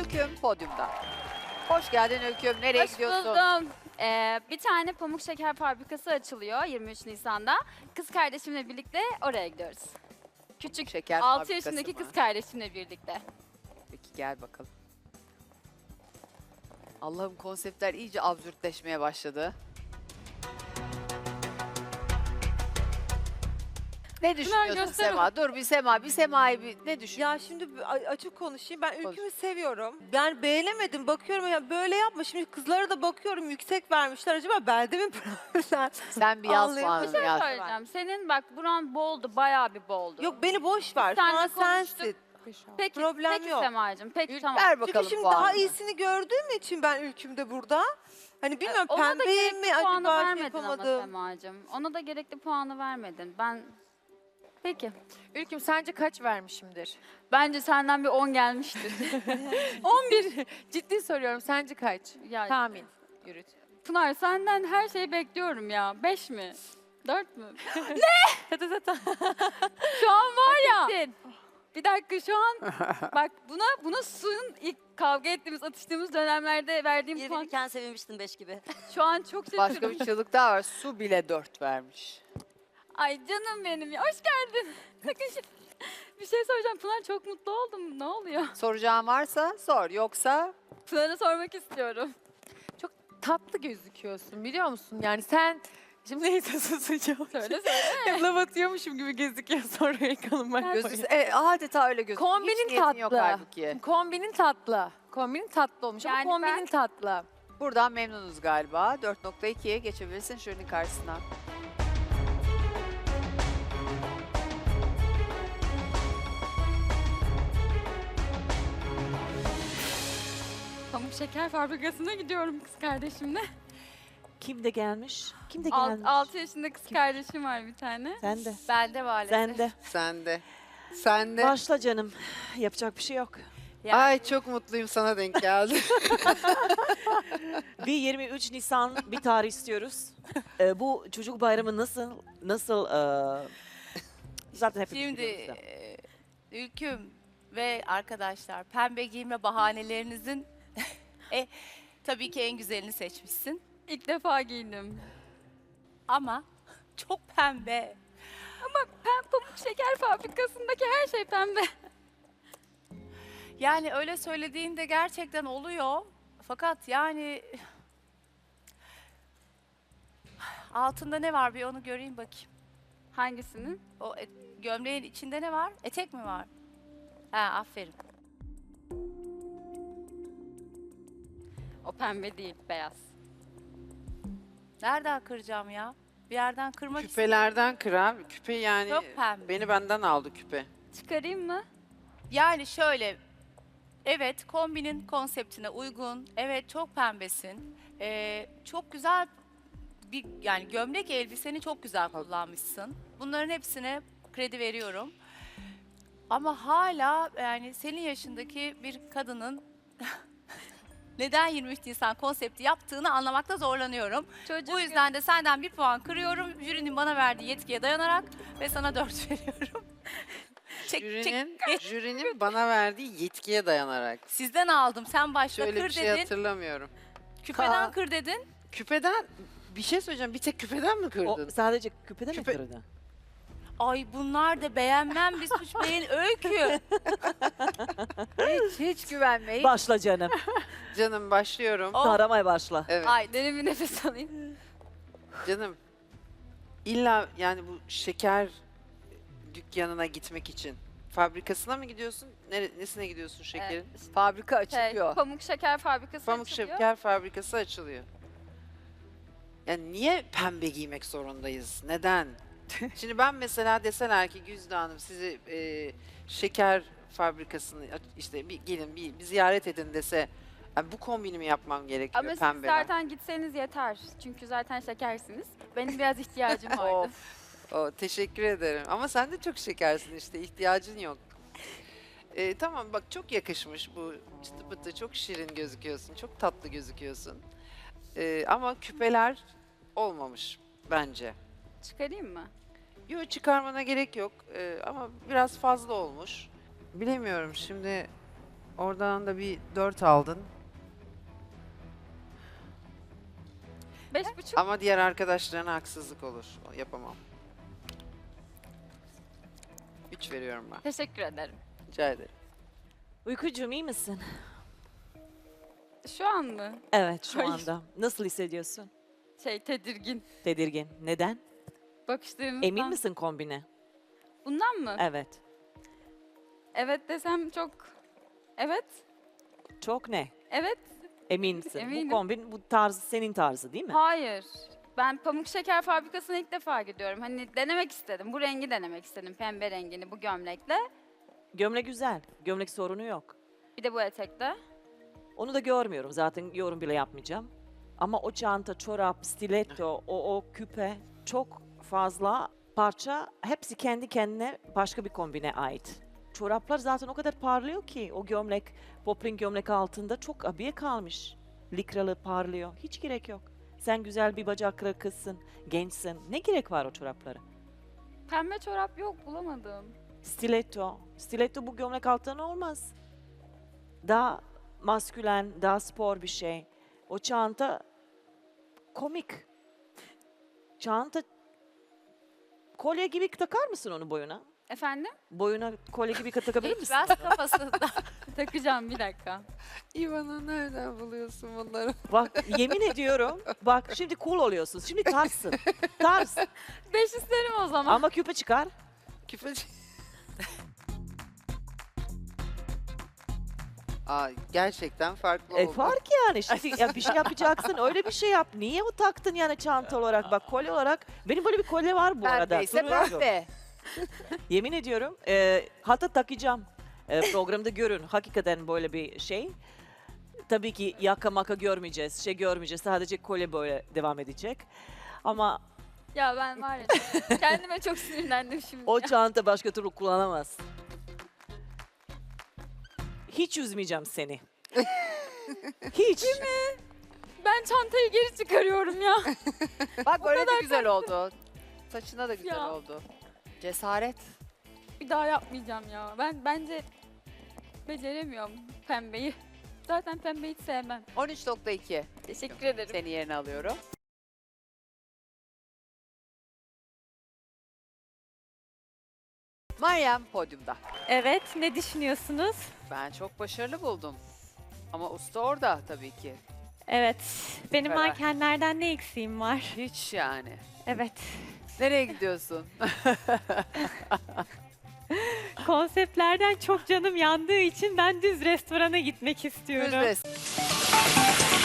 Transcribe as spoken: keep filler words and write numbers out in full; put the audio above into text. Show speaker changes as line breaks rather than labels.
Ülküm podyumda. Hoş geldin Ülküm. Nereye
Hoş
gidiyorsun?
buldum. Ee, bir tane pamuk şeker fabrikası açılıyor yirmi üç Nisan'da. Kız kardeşimle birlikte oraya gidiyoruz. Küçük
Şeker
altı
fabrikası
yaşındaki
mı?
kız kardeşimle birlikte.
Peki gel bakalım. Allah'ım konseptler iyice absürtleşmeye başladı. Ne düşünüyorsun
göster
Sema? Dur bir Sema, bir Sema'yı bir ne düşün?
Ya şimdi bir a- açık konuşayım. Ben
Konuş.
ülkümü seviyorum. Yani beğenemedim. Bakıyorum ya böyle yapma. Şimdi kızlara da bakıyorum yüksek vermişler. Acaba bende mi problem?
Sen bir yaz
Ağlayayım.
puanını
Bir şey
yaz.
söyleyeceğim. Senin bak buran boldu, bayağı bir boldu.
Yok beni boş ver. Şu
Seninle
an
konuştuk.
sensin.
peki,
problem
peki
yok.
Sema'cığım, peki
Ül-
tamam.
Ver
Çünkü
bakalım
şimdi
puanını.
daha iyisini gördüğüm için ben ülkümde burada. Hani bilmiyorum
Ona da
pembeye
gerekli
mi
puanı
acaba şey
vermedin ama
yapamadım.
Sema'cığım. Ona da gerekli puanı vermedin. Ben... Peki.
Ülküm sence kaç vermişimdir?
Bence senden bir on gelmiştir.
on bir. Ciddi soruyorum. Sence kaç?
ya,
Tahmin. Yürüt.
Pınar senden her şeyi bekliyorum ya. Beş mi? Dört mü?
Tata tata.
Şu an var ya. Bir dakika şu an bak buna buna suyun ilk kavga ettiğimiz atıştığımız dönemlerde verdiğim puan
Yirmi sevinmiştin beş gibi.
şu an çok şaşırdım.
Başka bir çığlık daha var. Su bile dört vermiş.
Ay canım benim ya hoş geldin. Sakın şey- bir şey soracağım Pınar çok mutlu oldum ne oluyor?
Soracağın varsa sor. Yoksa
Pınar'a sormak istiyorum.
Tatlı gözüküyorsun biliyor musun? Yani sen... Şimdi neyse susacağım.
Söyle söyle.
Laf atıyormuşum gibi gözüküyor sonra yakalanmak.
gözü e, adeta öyle gözüküyor.
Kombinin
Hiç niyetin yok
tatlı.
halbuki.
Kombinin tatlı. Kombinin tatlı olmuş
Yani
ama kombinin
ben-
tatlı.
Buradan memnunuz galiba. dört nokta ikiye geçebilirsin şunun karşısına.
Pamuk şeker fabrikasına gidiyorum kız kardeşimle.
Kim de gelmiş? Kim de
Alt,
gelmiş?
altı yaşında kız kardeşim var bir tane.
Sen de.
Bende maalesef.
Sen de.
Sen de. Sen de.
Başla canım. Yapacak bir şey yok.
Yani-
Ay çok mutluyum sana denk geldi.
Bir yirmi üç Nisan bir tarih istiyoruz. Ee, bu çocuk bayramı nasıl nasıl e, zaten hepimiz
Şimdi
biliyoruz da.
e, Ülküm ve arkadaşlar pembe giyme bahanelerinizin e, tabii ki en güzelini seçmişsin.
İlk defa giydim.
Ama çok pembe.
Pem pamuk şeker fabrikasındaki her şey pembe.
Yani öyle söylediğinde gerçekten oluyor. Fakat yani altında ne var bir onu göreyim bakayım.
Hangisinin?
O et- gömleğin içinde ne var? Etek mi var? Ha aferin.
O pembe değil, beyaz.
Nereden kıracağım ya? Bir yerden kırmak istiyorum.
Küpelerden kır abi. Küpe yani
Çok pembe.
beni benden aldı küpe.
Çıkarayım mı?
Yani şöyle, evet kombinin konseptine uygun, evet çok pembesin, Ee, çok güzel bir yani gömlek elbiseni çok güzel kullanmışsın. Bunların hepsine kredi veriyorum. Ama hala yani senin yaşındaki bir kadının neden yirmi üç Nisan konsepti yaptığını anlamakta zorlanıyorum.
Çocuk
Bu yüzden de senden bir puan kırıyorum. Jürinin bana verdiği yetkiye dayanarak ve sana dört veriyorum. Çek, çek.
Jürinin, jürinin bana verdiği yetkiye dayanarak.
Sizden aldım. Sen başta
Şöyle
kır
bir şey
dedin.
hatırlamıyorum.
Küpeden
Ha.
kır dedin.
Küpeden bir şey söyleyeceğim. Bir tek küpeden mi
O
kırdın?
sadece küpede
Küpe-
mi kırdı?
Ay bunlar da beğenmem bir suç beğen öykü.
hiç hiç güvenmeyin.
Başla canım.
Canım başlıyorum.
O-
Taramaya başla.
Evet.
Ay
derin bir nefes alayım.
Canım. İlla yani bu şeker dükkanına gitmek için fabrikasına mı gidiyorsun? Nere, nesine gidiyorsun şekerin?
Fabrika
Şey,
açılıyor.
pamuk şeker fabrikası
Pamuk
açılıyor.
şeker fabrikası açılıyor. Yani niye pembe giymek zorundayız? Neden? Şimdi ben mesela deseler ki Güzde Hanım sizi e, şeker fabrikasını aç- işte bir gelin bir, bir ziyaret edin dese yani bu kombini mi yapmam gerekiyor
Ama siz
pembeden?
zaten gitseniz yeter. Çünkü zaten şekersiniz. Benim biraz ihtiyacım vardı.
Of. O, teşekkür ederim. Ama sen de çok şekersin işte ihtiyacın yok. E, tamam bak çok yakışmış bu çıtı pıtı çok şirin gözüküyorsun. Çok tatlı gözüküyorsun. E, ama küpeler olmamış bence.
Çıkarayım mı?
Yok çıkarmana gerek yok Ee, ama biraz fazla olmuş. Bilemiyorum şimdi Oradan da bir dört aldın.
Beş buçuk.
Ama diğer arkadaşlarına haksızlık olur. Yapamam. üç veriyorum ben.
Teşekkür ederim.
Rica ederim.
Uykucuğum iyi misin?
Şu an mı?
Evet şu
Hayır.
anda. Nasıl hissediyorsun?
Şey tedirgin.
Tedirgin. Neden?
Bakışlarımızdan.
Emin misin kombine?
Bundan mı?
Evet.
Evet desem çok... Evet.
Çok ne?
Evet.
Emin misin?
Eminim.
Bu kombin bu tarz senin tarzı değil mi?
Hayır. Ben Pamuk Şeker Fabrikası'na ilk defa gidiyorum. Hani denemek istedim. Bu rengi denemek istedim. Pembe rengini bu gömlekle.
Gömlek güzel. Gömlek sorunu yok.
Bir de bu etekle.
Onu da görmüyorum. Zaten yorum bile yapmayacağım. Ama o çanta, çorap, stiletto, o, o küpe çok fazla parça. Hepsi kendi kendine başka bir kombine ait. Çoraplar zaten o kadar parlıyor ki o gömlek, poplin gömlek altında çok abiye kalmış. Likralı parlıyor. Hiç gerek yok. Sen güzel bir bacaklı kızsın, gençsin. Ne gerek var o çoraplara?
Pembe çorap yok bulamadım.
Stiletto. Stiletto bu gömlek altına olmaz. Daha maskülen, daha spor bir şey. O çanta komik. Çanta kolye gibi takar mısın onu boyuna?
Efendim?
Boyuna kolye gibi takabilir misin?
Biraz kafasında.
Takacağım bir dakika.
İvan'a nereden buluyorsun bunları?
Bak yemin ediyorum. Bak şimdi cool oluyorsun. Şimdi tarzsın. Tarz.
Beş isterim o zaman.
Ama küpe çıkar.
Küfeci. Aa, gerçekten farklı
E
oldu.
fark yani. Şimdi ya bir şey yapacaksın. Öyle bir şey yap. Niye o taktın yani çanta olarak? Bak kolye olarak. Benim böyle bir kolye var bu arada.
Pembe ise
Duruyorum.
pembe.
Yemin ediyorum. E, hatta takacağım. E, programda görün. Hakikaten böyle bir şey. Tabii ki yaka maka görmeyeceğiz. Şey görmeyeceğiz. Sadece kolye böyle devam edecek. Ama
Ya ben var ya kendime çok sinirlendim şimdi.
o
ya.
çanta başka türlü kullanamaz. Hiç üzmeyeceğim seni. Hiç.
Ben çantayı geri çıkarıyorum ya.
Bak böyle de
kadar
güzel oldu. Saçına da güzel
Ya.
oldu. Cesaret.
Bir daha yapmayacağım ya. Ben bence beceremiyorum pembeyi. Zaten pembeyi hiç sevmem.
on üç nokta iki.
Teşekkür ederim.
Seni yerine alıyorum. Meryem podyumda.
Evet, ne düşünüyorsunuz?
Ben çok başarılı buldum. Ama usta orada tabii ki.
Evet, benim
Karar.
mankenlerden ne eksiğim var?
Hiç yani.
Evet,
Nereye gidiyorsun?
konseptlerden çok canım yandığı için ben düz restorana gitmek istiyorum.
Düz res-